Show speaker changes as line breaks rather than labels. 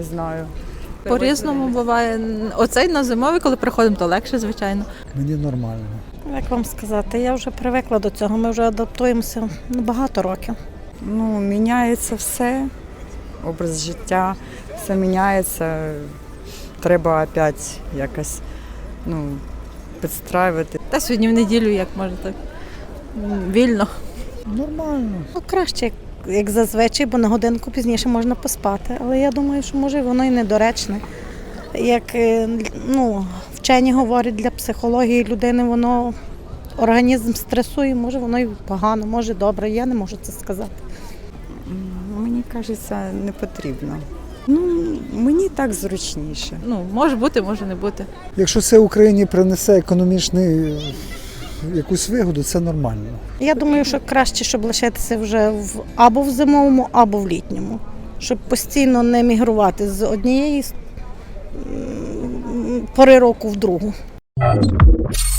не знаю.
По-різному буває. Оцей на зимовий, коли приходимо, то легше, звичайно.
Мені нормально.
Як вам сказати, я вже привикла до цього, ми вже адаптуємося багато років.
Ну, міняється все, образ життя, все міняється. Треба опять якось підстраювати.
Та сьогодні в неділю, як може так, вільно.
Нормально.
Ну, краще, як зазвичай, бо на годинку пізніше можна поспати. Але я думаю, що може воно і недоречне. Як вчені говорять, для психології людини воно організм стресує, може воно і погано, може добре, я не можу це сказати.
Мені кажеться, не потрібно. Мені так зручніше.
Може бути, може не бути.
Якщо це Україні принесе економічну якусь вигоду, це нормально.
Я думаю, що краще, щоб лишитися вже або в зимовому, або в літньому. Щоб постійно не мігрувати з однієї пори року в другу.